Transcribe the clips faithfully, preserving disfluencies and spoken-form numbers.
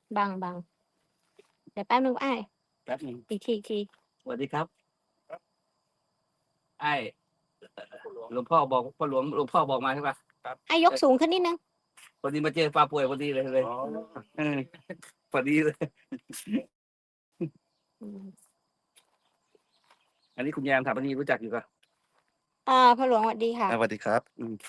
บังบังเดี๋ยวแป๊บนึงไอ้แป๊บนึงอีกทีอีกทีสวัสดีครับไอ้หลวงพ่อบอกพ่อหลวงหลวงพ่อบอกมาใช่ปะครับไอ้ยกสูงขึ้นนิดนึงพอดีมาเจอปลาป่วยพอดีเลยเลยเออพอดีเลยอืมอันนี้คุณแยมถามพอดีรู้จักอยู่ปะอ่าพ่อหลวงสวัสดีค่ะสวัสดีครับอืม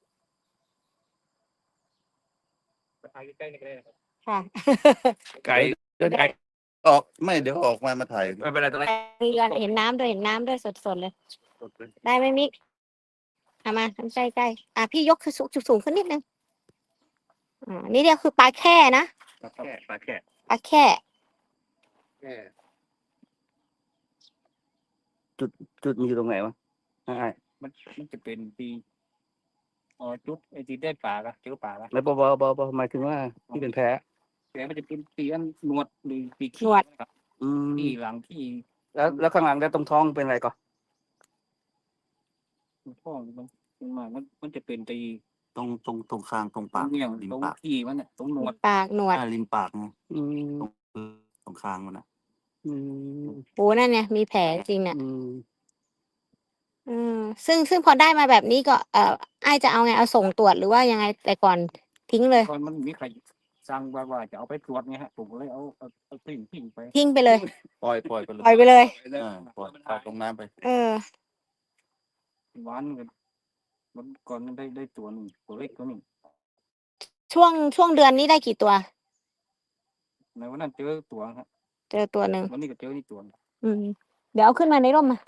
ไปถ่ายใกล้ๆนี่ก็ได้นะครับค่ะไก่เดินไก่ออกไม่เดี๋ยวออกมามาถ่ายไม่เป็นไรตรงนี้มีกันเห็นน้ำด้วยเห็นน้ำด้วยสดๆเลย ได้ไหมมิกเอามาทำใกล้ๆอ่ะพี่ยกคือสูงสูงขึ้นนิดนึงอ่านี่เดียวคือปลาแค่นะปลาแค่ปลาแค่ปลาแค่แค่จุดจุดมันอยู่ตรงไหนวะไอ้มันมันจะเป็นปีอ๋อจุดไอ้ที่ได้ปลาละเจอปลาละแล้วบอบอบอบอหมายถึงว่าที่เป็นแพ้แพ้มันจะเป็นปีอันหนวดหรือปีขี้ครับอืมที่หลังที่แล้วแล้วข้างหลังแล้วตรงท้องเป็นอะไรก่อนท้องมันมันมามันมันจะเป็นตีตรงตรงตรงคางตรงตรปาง กเงี้ยริมตรงปากขี้มันเนี่ยตรงหนวดปากหนวดอ่าริมปากไงอืมตรงคางมันนะอืมโอ้นั่นเนี่ยมีแผลจริงเนี่ยอืมอืมซึ่งซึ่งพอได้มาแบบนี้ก็เอ่อไอ้จะเอาไงเอาส่งตรวจหรือว่ายังไงแต่ก่อนทิ้งเลยตอนมันมีใครสั่งว่าว่าจะเอาไปตรวจไงฮะผมก็เลยเอาเอาเอาทิ้งทิ้งไปทิ้งไปเลยปล่อยปล่อยไปเลยปล่อยไปเลยอ่าปล่อยปล่อยลงน้ำไปเออหวานกันมันก่อนมันได้ได้ตัวหนึ่งตัวเล็กตัวหนึ่งช่วงช่วงเดือนนี้ได้กี่ตัวในวันนั้นเจอตัวฮะเจอตัวหนึ่งวันนี้ก็เจอนี่ตัวหนึ่งอืมเดี๋ยวเอาขึ้นมาในร่มมา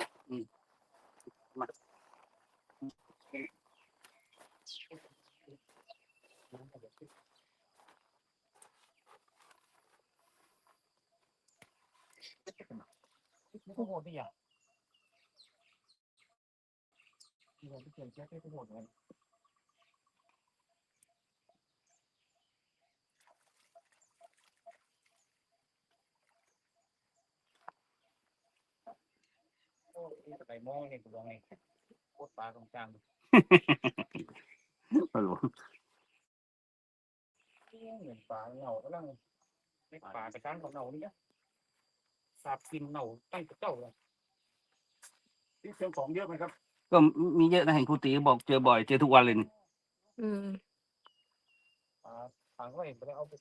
โอ้โหนี่อ่ะนี่เราไปเจอแค่ที่โหดเลยโอ้ยไปมองเนี่ยกูลองไงโคตรปลาตรงกลางฮัลโหลเหมือนปลาเหนาแล้วไม่ปลาไปกลางของเหนานี่นะสาบกินเหนาตั้งแต่เจ้าเลยที่เชียงของเยอะไหมครับ ก็มีเยอะนะเห็นครูตีบอกเจอบ่อยเจอทุกวันเลยนี่อืมปลาปลาก็เห็นไปแล้วเอาไป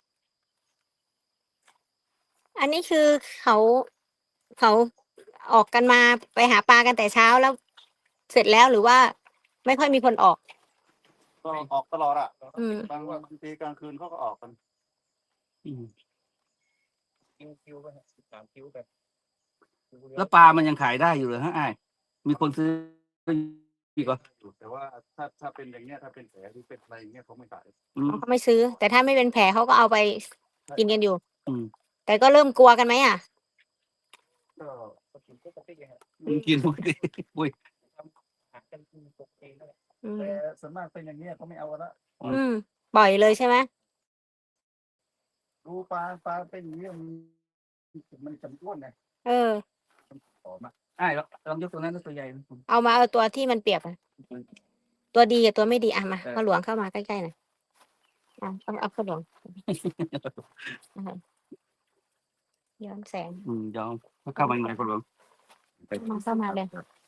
อันนี้คือเขาเขาออกกันมาไปหาปลากันแต่เช้าแล้ว เสร็จแล้วหรือว่าไม่ค่อยมีคนออกก็ออกตลอดอ่ะอืมบางวันบางทีกลางคืนเขาก็ออกกันอืมคิวคิวไปฮะสิบสามคิวแบบแล้วปลามันยังขายได้อยู่เลยฮะไอ้ายมีคนซื้ออีกเหรอแต่ว่าถ้าถ้าเป็นอย่างเงี้ยถ้าเป็นแผลหรือเป็นอะไรอย่างเงี้ยเขาไม่ขายอืมเขาไม่ซื้อ แต่ถ้าไม่เป็นแผลเขาก็เอาไปกินกันอยู่อืมแต่ก็เริ่มกลัวกันไหมอ่ะก็กินปกติฮะกินปกติอุ้ยหากันกินปกตินั่นแหละอืมแต่ส่วนมากเป็นอย่างเงี้ยเขาไม่เอาละอืมปล่อยเลยใช่ไหมดูปลาปลาเป็นอย่างเงี้ยมันมันจำอ้วนไงเออหอมอ่ะไอ้ายลองลองยกตัวนั้นตัวใหญ่นะเอามาเอาตัวที่มันเปียกอะตัวดีกับตัวไม่ดีอ่ะมาพ่อหลวงเข้ามาใกล้ๆหน่อยอ่ะเอาเอาพ่อหลวงอ่ะย้อนแสงอืมยอมเข้ามายังไงคนหลวงมาเข้ามาเลย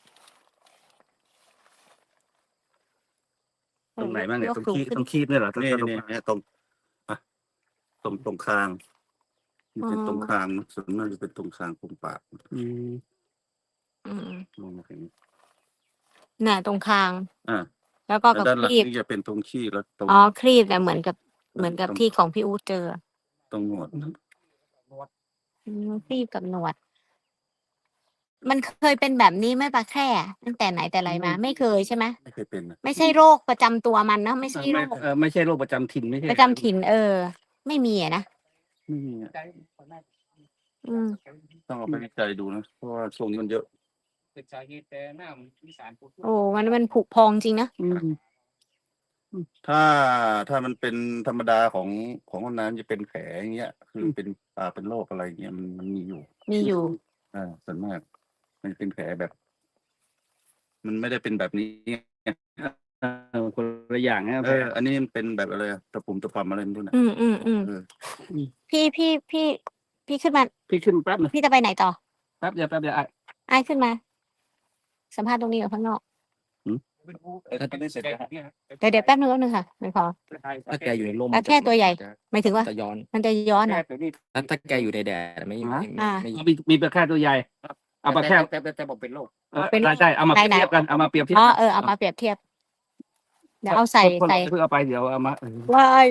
ตรงไหนบ้างเนี่ยกตรงสูคีบขึ้นตรงคีบเนี่ยเหรอนี่ตรงนี่เนี่ยตรงอ่ะตรงตรงคางมันเป็นตรงคางนะส่วนมากจะเป็นตรงคางตรงปากอืมอืมมองมาเห็นน่ะตรงคางอ่าแล้วก็แล้วกับด้านหคลังรีบนี่จะเป็นตรงขี้แล้วตรงอ๋อครีบแต่ะเหมือนกับเหมือนกับตรงที่ของพี่อู๊ดเจอตรงหนวดอืมครีบกับหนวด มันเคยเป็นแบบนี้ไหมปลาแคร่ตั้งแต่ไหนแต่ไรมา ไม่เคยใช่ไหมไม่เคยเป็นนะไม่ใช่โรคประจำตัวมันเนอะไม่ใช่โรไม่คเออไม่ใช่โรคประจำถิ่นไม่ใช่ประจำถิ่นเออ ไม่มีอะนะไม่มีอะอืมต้องเอาไปวิจัยดูนะเพราะว่าช่วงนี้มันเยอะเป็นสาเหตุแต่น้ำมีสารปูนโอ้มันมันผุพองจริงนะอืมถ้าถ้ามันเป็นธรรมดาของของคนนั้นจะเป็นแผลอย่างเงี้ย คือเป็นอ่าเป็นโรคอะไรเงี้ยมันมันมีอยู่มีอยู่อ่าส่วนมาก มันเป็นแผลแบบ มันไม่ได้เป็นแบบนี้เออคนละอย่างนะเอออันนี้มันเป็นแบบอะไรอะตะปุ่มตะป่ำอะไรไม่รู้นะอืมอืมอืมเออพี่พี่พี่พี่ขึ้นมาพี่ขึ้นแป๊บนึงพี่จะไปไหนต่อแป๊บเดียวแป๊บเดียวไอ้ไอ้ายขึ้นมา สัมภาษณ์ตรงนี้กับข้างนอกเออถ้าตอนนี้เสร็จแล้วเดี๋ยวเดี๋ยวแป๊บนึงแป๊บนึงค่ะไม่พอถ้าแกอยู่ในร่มปลาแค่ตัวใหญ่จะหมายถึงว่าจะย้อนมันจะย้อนเหรอถ้าถ้าแกอยู่ในแดดไม่ไม่ไม่อ่าไม่มีมีปลาแค่ตัวใหญ่เอาปลาแค่แต่แต่แต่บอกเป็นโรคเออเป็นใช่ใช่เอามาไหนเปรียบเทียบกันเอามาเปรียบเทียบอ๋อกันเออเอามาเปรียบเทียบ เดี๋ยวเอาใส่คนใส่เพื่อเอาไปเดี๋ยวเอามาเออวาย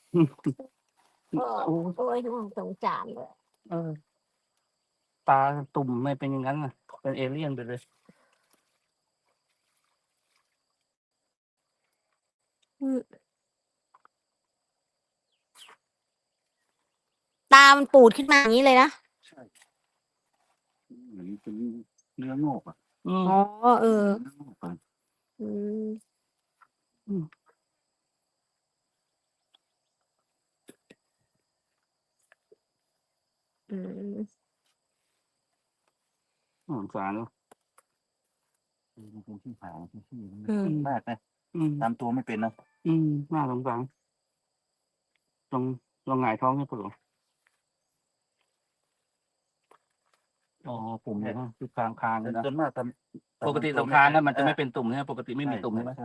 โอ้โอ้ยสงสารเลยเออตาตุ่มไม่เป็นอย่างนั้นนะเป็นเอเลี่ยนไปเลยอืมตามันปูดขึ้นมาอย่างนี้เลยนะใช่เหมือนเป็นเนื้องอกอ่ะอืมอ๋อเออเนื้องอกอะอืมอืมอืมสงสารเนอะมันเป็นที่ผางที่ที่อืมมากนะอืมตามตัวไม่เป็นนะอืมน่าสงสารตรงตรงหงายท้องให้ปวดอ๋อปุ่มเลยนะคือคางคางเลยนะส่วนมากตามปกติตรงคางนั้นมันจะไม่เป็นตุ่มใช่ไหมปกติไม่มีตุ่มใช่ไหมใช่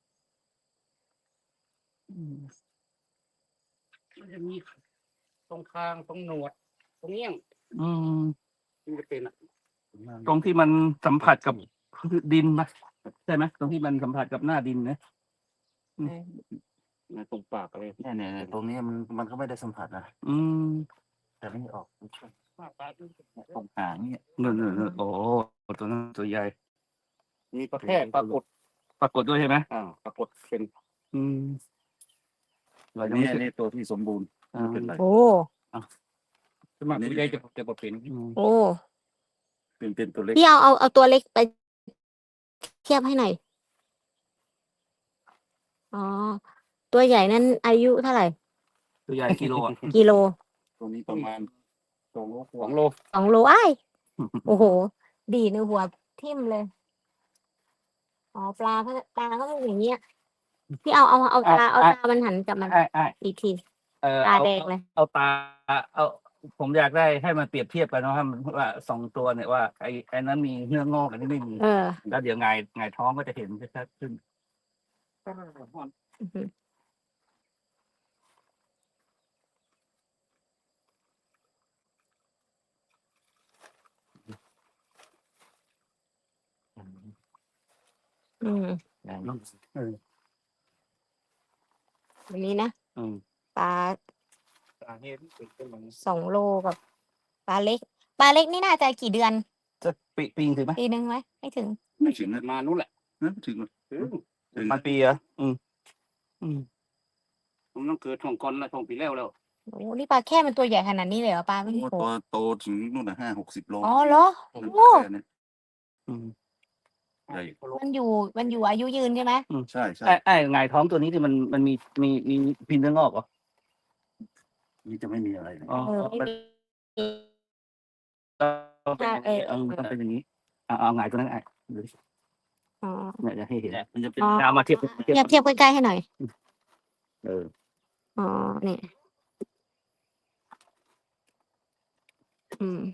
อืมมันจะมีตรงคางตรงหนวด ตรงเงี้ยง อืมมันจะเป็นอะตรงที่มันสัมผัสกับดินไหมใช่ไหมตรงที่มันสัมผัสกับหน้าดินนะ ตรงปากอะไรเนี่ยเนี่ยเนี่ยตรงนี้มันมันก็ไม่ได้สัมผัสนะอืมแต่ไม่ออกตรงหางเนี่ยเนินเนินโอ้ตัวนั้นตัวใหญ่ มีปลาแค่ปรากฏปรากฏด้วยใช่ไหมอ่าปรากฏเป็น อืมเราอันยังนี้ไม่อันเคยนี้ตัวที่สมบูรณ์อ่าไม่เป็นไรโอ้สมัครผู้ใหญ่จะจะปเป็นโอ้เป็นเป็นตัวเล็กพี่เอาเอาเอาตัวเล็กไปเทียบให้หน่อย อ๋อ ตัวใหญ่นั้นอายุเท่าไหร่ตัวใหญ่กิโลอ่ะกิโลตัวนี้ประมาณสองโลกสอว่างโลสองโลอ้ายโอ้โห ดีในหัวทิ่มเลย อ๋อ ปลาเขาปลาก็เป็นอย่างเงี้ย พี่เอาเอาเอาตาเอาตามันหันกลับมันไอ้ไอ้อีกทีเออตาเอาแดงเลยเอาตาเอาผมอยากได้ให้มันเปรียบเทียบกันเนาะว่ามันว่าสองตัวเนี่ยว่าไอ้ไอ้นั้นมีเนื้องอกอันนี้ไม่มีเออแล้วเดี๋ยวไงายหงายท้องก็จะเห็นชัดขึ้นอือหืออืมเออวันนี้นะอืมปลาตาเนี่ยเป็นเป็นมันสองโลกับปลาเล็ก ปลาเล็กนี่น่าจะกี่เดือนจะปีปีถึงไหมปีหนึ่งไหมไม่ถึงไม่ถึงนะมานู้นแหละไม่ถึงหรอกถึงมันปีเหรออืมอืมผมต้องเกิดช่องก่อนแล้วช่องปีแล้วแล้วโอ้นี่ปลาแค่มันตัวใหญ่ขนาดนี้เลยเหรอปลาไม่โอ้ได้โตตัวโตถึงนู่นนะห้าหกสิบโลอ๋อเหรอเป็นโอ้แค่เนี้อืมใหญ่มันอยู่มันอยู่อายุยืนใช่ไหมใช่ใช่ไอ้ไอ้หงายท้องตัวนี้ที่มันมันมีมีมีพินเนื้องอกเหรอนี่จะไม่มีอะไรเลยอ๋อเออไม่มันมีต้องเป็นอย่างนี้เออมันต้องเป็นอย่างนี้เอาเอาหงายตัวนั้นไอ้ดูดิอ๋อเนี่ยจะให้เห็นมันจะเป็นอ๋อเอามาเทียบเทียบเทียบใกล้ๆให้หน่อยเอออ๋อเนี่ยอืม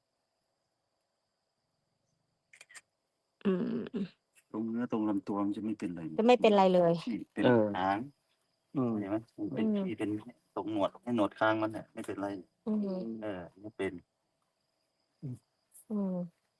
อืมตรงเนื้อตรงลำตัวมันจะไม่เป็นอะไรจะไม่เป็นไรเลยที่เป็นเออหางอืมเห็นไหมมันเป็นอืมที่เป็นตรงหนวดให้หนวดคางมันเนี่ยไม่เป็นไรอืมเออไม่เป็นอืม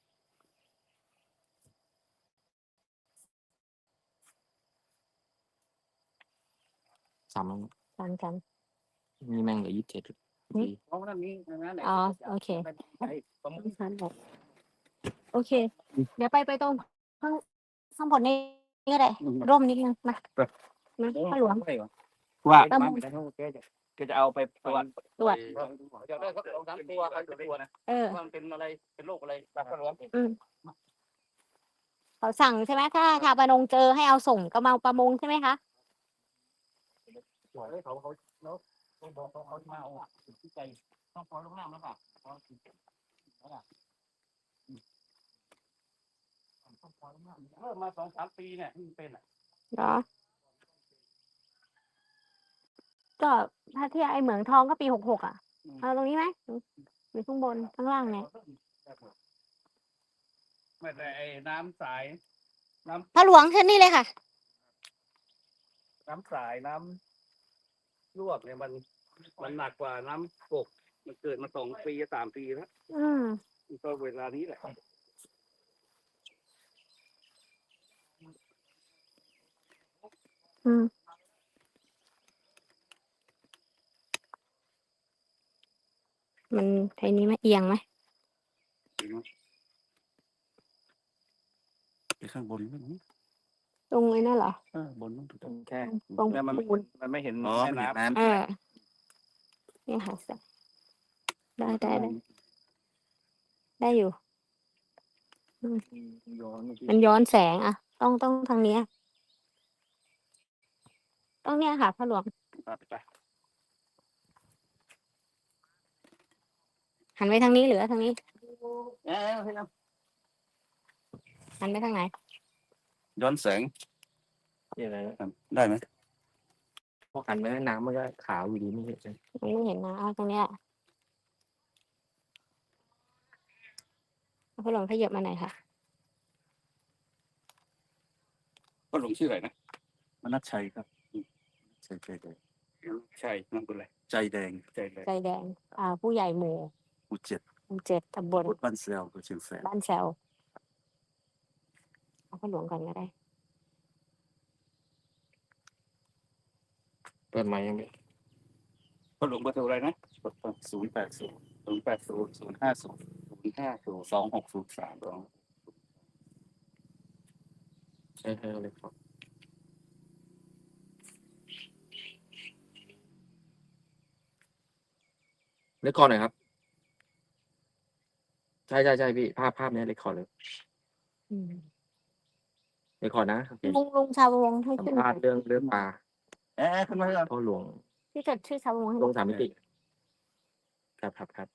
สามตามกันมีแม่งเหลือยี่สิบเจ็ดเพราะว่ามีนั้นไหนอ๋อโอเคประมาณชั้นบอกโอเค เดี๋ยวไปไปตรงข้างข้างบนนี้ก็ได้ ร่มนิดนึงมามาข้าหลวงว่าตามก็จะเอาไปตรวจตรวจอยากได้สักสองสามตัวเอาตัวนะเออว่ามันเป็นอะไรเป็นโรคอะไรแบบกระหลวงอืมเขาสั่งใช่ไหมถ้าชาวประมงเจอให้เอาส่งกระเมาประมงใช่ไหมคะตรวจให้เขาเขาแล้วเขาบอกเขาเขามาเอาที่ใจต้องพอลงน้ำแล้วป่ะพอแล้วป่ะต้องพอลงน้ำเริ่มมาสองสามปีเนี่ยที่เป็นอ่ะเหรอก็ถ้าเทียบไอ้เหมืองทองก็ปีหกหกอ่ะเอาตรงนี้ไหมหรือข้างบนข้างล่างเนี่ยไม่แต่ไอ้น้ำสายน้พระหลวงขึ้นนี่เลยค่ะำน้ำสายน้ำลวกเนี่ยมันมันหนักกว่าน้ำกกมันเกิดมาสองปีสามปีแล้วอืมก็เวลานี้แหละอืมมันไอ้นี้ไหมเอียงไหมไปข้างบนนั่นนี่ตรงไอ้นั่นเหรอเออบนนั่นถูกต้องแค่ตรงแล้วมันปูนมันไม่เห็นอ๋อแม่มันเห็นน้ำน้ำเออเนี่ยค่ะได้ได้ได้ได้อยู่ย้อนเมื่อกี้มันย้อนแสงอ่ะ ต้องต้องทางเนี้ยต้องเนี้ยค่ะพระหลวงไปไปหันไปทางนี้หรือทางนี้เอ้ยเอาให้น้หันไปทางไหนย้อนแสงนี่อะไรนะได้ไหมพอหันไปน้ำมันก็ขาวอยู่ดีไม่เห็นใช่ไหมมันไม่เห็นนะเอาตรงเนี้ยเอาพระหลวงขยับมาหน่อยค่ะก็หลงชื่ออะไรนะมนัสชัยครับใจใจแดงใช่นั่นเป็นอะไรใจแดงใจเลยใจแดง อ่า ผู้ใหญ่หมู่หมู่เจ็ดหมู่เจ็ดตำบลรถบ้านเซลตัวเชียงแสนบ้านแซวเอาพระหลวงก่อนก็ได้เปิดไม้ยังไม่ก็หลงเบอร์โทรอะไรนะศูนย์แปดศูนย์ศูนย์แปดศูนย์ศูนย์ห้าศูนย์ศูนย์ห้าศูนย์สองหกศูนย์สามสองใช่ใช่เลยครับเล็กคอร์ดหน่อยครับ ใช่ใช่ใช่พี่ภาพภาพเนี้ยเล็กคอร์ดเลยอืมเล็กคอร์ดนะโอเคลุงลุงชาวประมงให้สัมขึ้นภาษณ์เรื่องเรื่องปลาเอ๊ะขึ้นมาก่อนพ่อหลวงที่จดชื่อชาวประมงให้ลงสามมิติครับครับครับ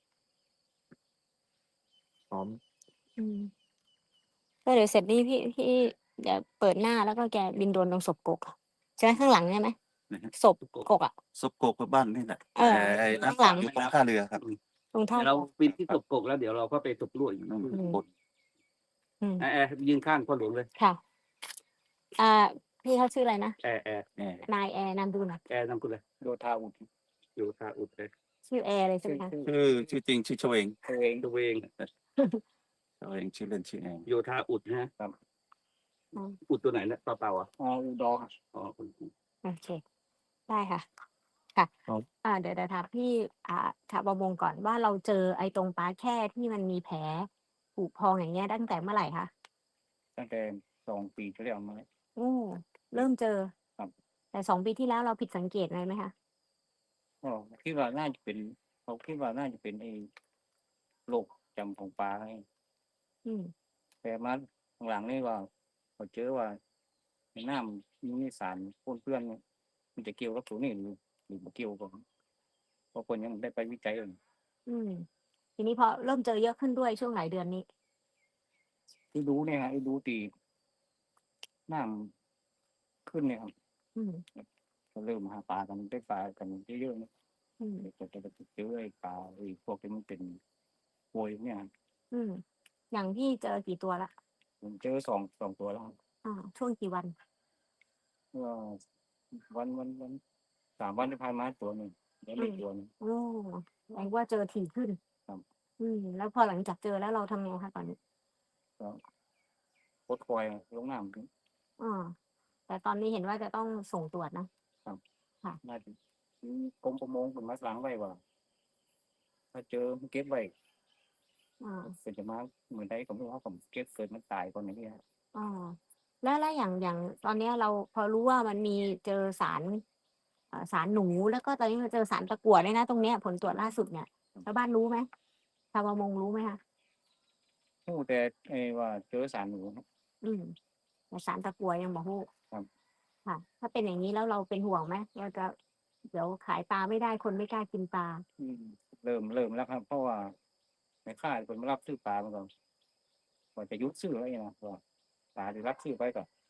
พร้อมอืมก็เดี๋ยวเสร็จนี่พี่พี่เดี๋ยวเปิดหน้าแล้วก็แกบินโดรนลงศพกกอะใช่ไหมข้างหลังใช่ไหมนะฮะศพกกอ่ะซบโกกกับบ้านนี่แหละเออไอ้นั่นข้างหลังอยู่ตรงท่าเรือครับตรงท่าเดี๋ยวเราปีนที่ตกกกแล้วเดี๋ยวเราก็ไปตกลวดอีกนั่นอืมบนอืมแอร์แอร์ยืนข้างพ่อหลวงเลยค่ะ อ่า พี่เขาชื่ออะไรนะแอร์แอร์แหมนายแอร์นามดูหนะแอร์นำคุณเลยโยธาอุดโยธาอุดเลยชื่อแอร์เลยใช่ไหมคะชื่อชื่อจริงชื่อเฉวงตัวเองตัวเองเฉวงชื่อเล่นชื่อแองโยธาอุดนะครับ อุดตัวไหนเนี่ยเปล่าๆอ่ะอ๋ออุดรอ๋ออุดโอเค ได้ค่ะ ค่ะครับอ่า เดี๋ยวเดี๋ยวถามพี่ อ่าชาวประมงก่อนว่าเราเจอไอ้ตรงปลาแค่ที่มันมีแผลผุพองอย่างเงี้ยตั้งแต่เมื่อไหร่คะตั้งแต่สองปีที่แล้วมาโอ้เริ่มเจอครับแต่สองปีที่แล้วเราผิดสังเกตอะไรไหมคะอ๋อคิดว่าน่าจะเป็นเขาคิดว่าน่าจะเป็นไอ้โรคจำของปลาไงอืมแต่มาหลังๆนี่ว่าเขาเจอว่าในน้ำมีสารปนเปื้อนเนี่ยมันจะเกี่ยวกับตัวนี้หรือหรือบ่เกี่ยวกับเพราะคนยังไม่ได้ไปวิจัยเลยอืม ทีนี้พอเริ่มเจอเยอะขึ้นด้วยช่วงหลายเดือนนี้ที่ดูเนี่ยฮะที่ดูตีน้ำขึ้นเนี่ยครับอืมก็เริ่มหาปลากันได้ปลากันเยอะๆนะอืมจะจะจะเจอไอ้ปลาไอ้พวกที่มันเป็นโวยเนี่ยอืม อย่างพี่เจอกี่ตัวละผมเจอสองสองตัวแล้วครับอ่า ช่วงกี่วันเมื่อวันวันวันสามวันที่ผ่านมาตัวหนึ่งแล้วไม่ตัวหนึงโอ้แปลว่าเจอถี่ขึ้นครับอืม แล้วพอหลังจากเจอแล้วเราทำไงคะตอนนี้โคตรคอยลงน้ำอ่า แต่ตอนนี้เห็นว่าจะต้องส่งตรวจนะน่าจะกรมประมงเป็นมาล้างไว้ว่า ถ้าเจอมันเก็บไว้อ่าเป็นจะมาเหมือนได้ของพวกเขาผมเก็บเกิดมันตายก่อนอย่างเงี้ยอ่า แล้วแล้วอย่างอย่างตอนเนี้ยเราพอรู้ว่ามันมีเจอสารเอ่อสารหนูแล้วก็ตอนนี้มาเจอสารตะกั่วด้วยนะตรงเนี้ยผลตรวจล่าสุดเนี่ยชาวบ้านรู้ไหมชาวประมงรู้ไหมคะโอ้แต่ไอ้ว่าเจอสารหนูครับอืมแต่สารตะกั่วยังบอกฮู้ครับค่ะ ถ้าเป็นอย่างนี้แล้วเราเป็นห่วงไหมเราจะเดี๋ยวขายปลาไม่ได้คนไม่กล้ากินปลาอืมเริ่มเริ่มแล้วครับ เพราะว่าในค่ายคนมารับซื้อปลามาก่อนก่อนจะยุดซื้ออะไรนะว่าปลาที่รับซื้อไปก็ก็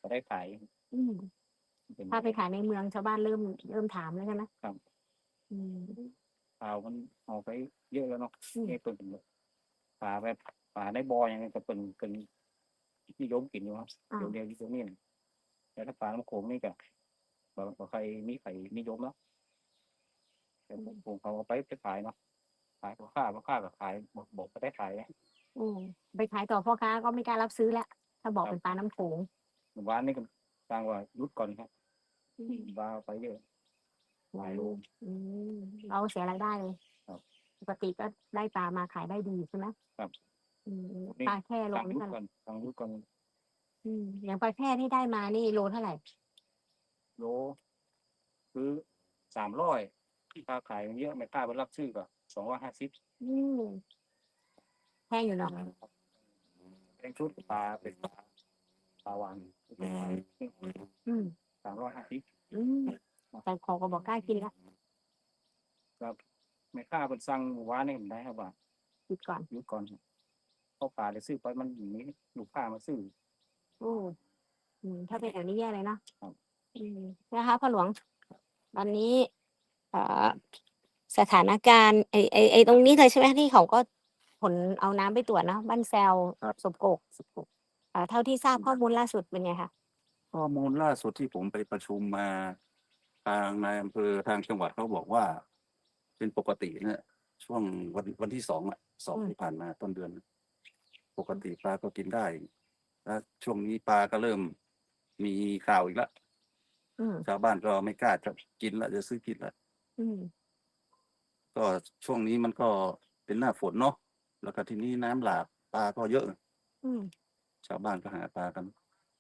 ได้ขายอืมเป็นถ้าไปขายในเมืองชาวบ้านเริ่มเริ่มถามแล้วใช่ไหมครับอืมข่าวมันออกไปเยอะแล้วเนาะอืมนี่เป็นปลาแบบปลาในบ่อยังไงก็เป็นเป็นนิยมกินอยู่ครับอ่าเดี๋ยวเดียวที่ตรงนี้นะแต่ถ้าปลาน้ำโขงนี่ก็บ่บ่ใครมีใครนิยมแล้วแต่ผมเขาเอาไปไปขายเนาะขายพ่อค้าพ่อค้าก็ขายบอกบอกไปได้ขายนะอืมไปขายต่อพ่อค้าก็ไม่กล้ารับซื้อแล้ว ถ้าบอกเป็นปลาน้ำโขงหมู่บ้านนี่ก็สร้างว่าหยุดก่อนครับอืมปลาไปเยอะ หลายโลอืมเราเสียรายได้เลยครับปกติก็ได้ปลามาขายได้ดีใช่ไหมครับอืมนี่ปลาแค่โลสั่งหนี่ยุดเท่าไหก่ร่อนสั่งหยุดก่อนอืมอย่างปลาแค่ที่ได้มานี่โลเท่าไหร่โลคือสามร้อยค่าขายเยอะไม่กล้าไปรับซื้อก็สองร้อยห้าสิบอืมแพงอยู่เนาะเป็นชุดปลาเป็นปลาปลาวานอืมสามร้อยห้าสิบอืมแต่ขอก็บอกกล้ากินละครับไม่กล้าเป็นสั่งหวานนี่ผมได้ครับว่าหยุดก่อนหยุดก่อนเข้าป่าได้ซื้อไปมันอย่างนี้ลูกค้ามาซื้อโอ้อืมถ้าเป็นแบบนี้แย่เลยเนาะครับอืมนะคะพ่อหลวง ตอนนี้เอ่อสถานการณ์ไอไอไอตรงนี้เลยใช่ไหมที่เขาก็ผลเอาน้ำไปตรวจเนาะบ้านแซวครับศพโกกเอ่อเท่าที่ทราบข้อมูลล่าสุดเป็นไงคะข้อมูลล่าสุดที่ผมไปประชุมมา ทางนายอำเภอทางจังหวัดเขาบอกว่า เป็นปกติเนี่ยช่วงวันวันที่สองอ่ะสองที่ผ่านมาต้นเดือน ปกติปลาก็กินได้แล้วช่วงนี้ปลาก็เริ่มมีข่าวอีกแล้วอืมชาวบ้านก็ไม่กล้าจะกินละจะซื้อกินละอืมก็ช่วงนี้มันก็เป็นหน้าฝนเนาะแล้วก็ทีนี้น้ำหลากปลาก็เยอะอืมชาวบ้านก็หาปลากัน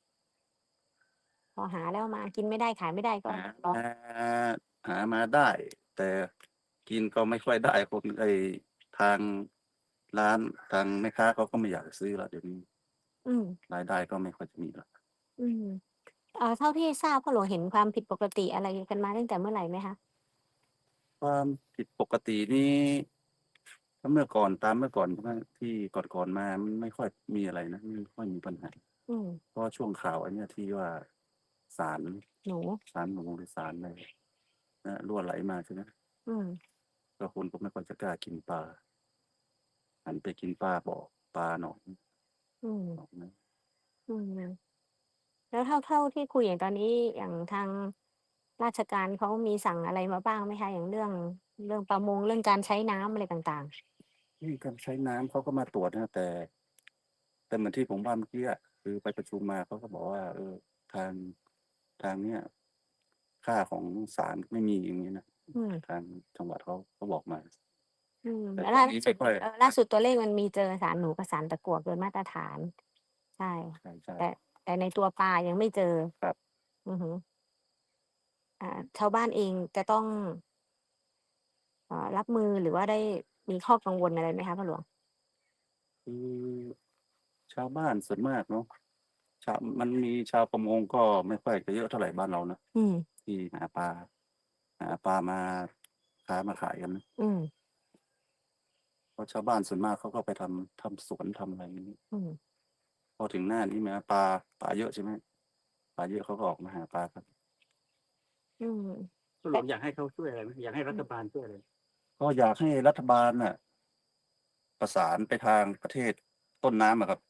พอหาแล้วมากินไม่ได้ขายไม่ได้ก็หาร้องมาหามาได้ แต่กินก็ไม่ค่อยได้คนไอ้ทางร้านทางแม่ค้าเขาก็ไม่อยากซื้อละเดี๋ยวนี้อืมรายได้ก็ไม่ค่อยจะมีละอืมเอ่อเท่าที่ทราบพ่อหลวงเห็นความผิดปกติอะไรกันมาตั้งแต่เมื่อไหร่ไหมคะความผิดปกตินี้ถ้าเมื่อก่อนตามเมื่อก่อนใช่ไหมที่ก่อนๆมามันไม่ค่อยมีอะไรนะไม่ค่อยมีปัญหาอืมเพราะช่วงข่าวอันเนี้ยที่ว่าสารหนูสารหนูหรือสารอะไรนะรั่วไหลมาใช่ไหมอืมก็คนก็ไม่ค่อยจะกล้ากินปลาหันไปกินปลาบ่อปลาหนองอืมหนองนะอืม แล้วเท่าเท่าที่คุยอย่างตอนนี้อย่างทางราชการเขามีสั่งอะไรมาบ้างไหมคะ อย่างเรื่องเรื่องประมงเรื่องการใช้น้ำอะไรต่างนี่การใช้น้ำเขาก็มาตรวจนะแต่ แต่เหมือนที่ผมว่าเมื่อกี้อะคือไปประชุมมาเขาก็บอกว่า เออ ทางทางเนี้ยค่าของสารไม่มีอย่างนี้นะๆ อืมทางจังหวัดเขาเขาบอกมาอืมแต่แล้วตอนล่านี้สุไม่ดค่อยเอ่อล่าสุดตัวเลขมันมีเจอสารหนูกับสารตะกั่วเกินมาตรฐาน ใช่ใช่ใช่แต่แต่ในตัวปลายังไม่เจอครับอือฮึอ่าชาวบ้านเองจะต้องเอ่อรับมือหรือว่าได้มีข้อกังวลอะไรไหมคะพ่อหลวง? คือชาวบ้านส่วนมากเนาะ ชาว มันมีชาวประมงก็ไม่ค่อยจะเยอะเท่าไรบ้านเรานะอืมที่หาปลา หาปลามาค้ามาขายกันนะอืมเพราะชาวบ้านส่วนมากเขาก็ไปทำ ทำสวนทำอะไรงี้อืมพอถึงหน้านี้มาปลา ปลาเยอะใช่ไหม ปลาเยอะเขาก็ออกมาหาปลากันอืมพ่อหลวงอยากให้เขาช่วยอะไรไหม อยากให้รัฐบาลช่วยอะไร? ก็อยากให้รัฐบาลน่ะ ประสานไปทางประเทศต้นน้ำอะครับ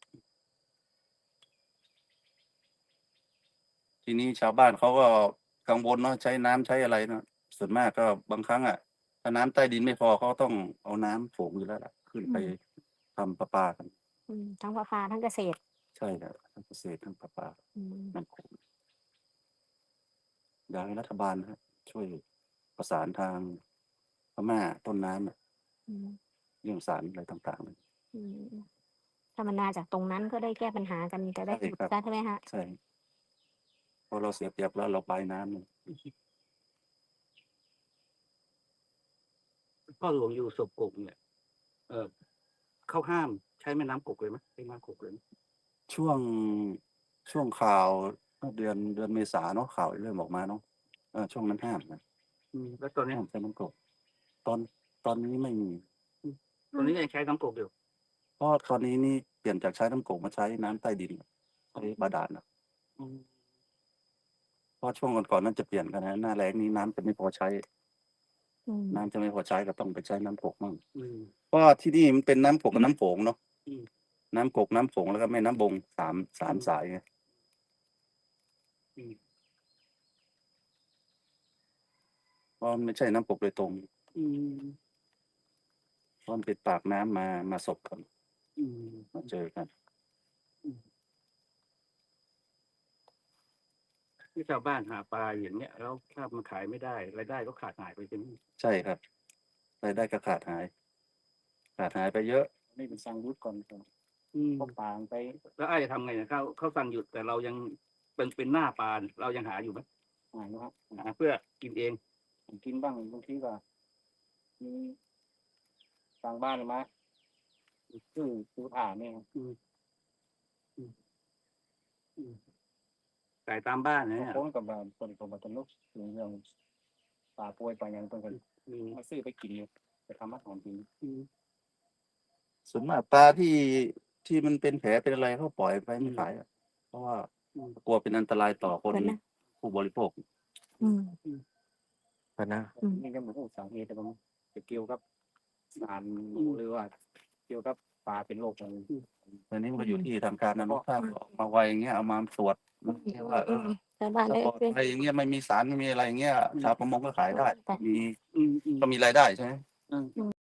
ทีนี้ชาวบ้านเขาก็กังวลเนาะ ใช้น้ำใช้อะไรเนาะ ส่วนมากก็บางครั้งอะ ถ้าน้ำใต้ดินไม่พอเขาก็ต้องเอาน้ำโขงอยู่แล้วล่ะ ขึ้นอืไปมทำประปากันอืม ทั้งประปาทั้งเกษตรใช่ครับ ทั้งเกษตรทั้งประปาอืมน้ำโขง อยากให้รัฐบาลนะครับ ช่วยประสานทางพม่าต้นน้ำอะอืมเรื่องสารอะไรต่าง ๆ เลยอืม ถ้ามันมาจากตรงนั้นก็ได้แก้ปัญหากัน จะได้ใช่หยุดครับซะใช่ไหมคะ? ใช่ เพราะเราเสียเปรียบแล้วเราปลายน้ำเนี่ยพ่อหลวงอยู่ศพกกเนี่ย เอ่อ เขาห้ามใช้แม่น้ำกกเลยไหม ใช้น้ำกกเลยไหม? ช่วง ช่วงข่าว เมื่อเดือน เดือนเมษาเนาะ ข่าวเริ่มออกมาเนาะ เออ ช่วงนั้นห้ามนะอืม แล้วตอนเนี้ย? ห้ามใช้น้ำกก ตอน ตอนนี้ไม่มีอืม ตอนนี้ยังใช้น้ำกกอยู่? เพราะตอนนี้นี่เปลี่ยนจากใช้น้ำกกมาใช้น้ำใต้ดิน ใช้บาดาลน่ะอืมเพราะช่วงก่อนๆนั้นจะเปลี่ยนกันนะหน้าแล้งนี้น้ำจะไม่พอใช้อืมน้ำจะไม่พอใช้ก็ต้องไปใช้น้ำกกมั่งอืมเพราะว่าที่นี่มันเป็นน้ำกกกับน้ำโขงเนาะอืมน้ำกกน้ำโขงแล้วก็แม่น้ำบงสามสามอืมสายไงอืมเพราะมันไม่ใช่น้ำกกโดยตรงอืมเพราะมันเป็นปากน้ำมามาสบกันอืมมาเจอกันที่ชาวบ้านหาปลาอย่างเงี้ยแล้วถ้ามันขายไม่ได้รายได้ก็ขาดหายไปใช่ไหมใช่ครับรายได้ก็ขาดหาย ขาดหายไปเยอะนี่เป็นสั่งหยุดก่อนครับก็ปางไป แล้วไอ้จะทำไงเนี่ยเขาเขาสั่งหยุดแต่เรายังเป็นเป็นหน้าปลาเรายังหาอยู่ไหมหาอยู่ครับหาเพื่อกินเองกินบ้างบางทีก็มีต่างบ้านมาซื้อซื้อผ่าเนี่ยไก่ตามบ้านเนี่ยคนกับบ้านคนกับบ้านตนุกเรื่องปลาป่วยปลาอย่างต้นกันมาซื้อไปกินไปทำอาหารกินส่วนมากปลาที่ที่มันเป็นแผลเป็นอะไรเขาปล่อยไปไม่ขายอะเพราะว่ากลัวเป็นอันตรายต่อคนเหมือนนะผู้บริโภคอืมพนะอืมนี่ก็เหมือนกับสาเหตุแต่มันจะเกี่ยวกับสารหรือว่า เกี่ยวกับปลาเป็นโรคอะไรตอนนี้มันก็อยู่ที่ทางการนะถ้าออกมาไวอย่างเงี้ยเอามาตรวจมันเรียกว่าเออชาวบ้านถ้าได้ปลอดเป็นภัยอย่างเงี้ยไม่มีสารไม่มีอะไรอย่างเงี้ยชาวประมงก็ขายได้แต่มีอืมอืมก็มีรายได้ใช่ไหมอืม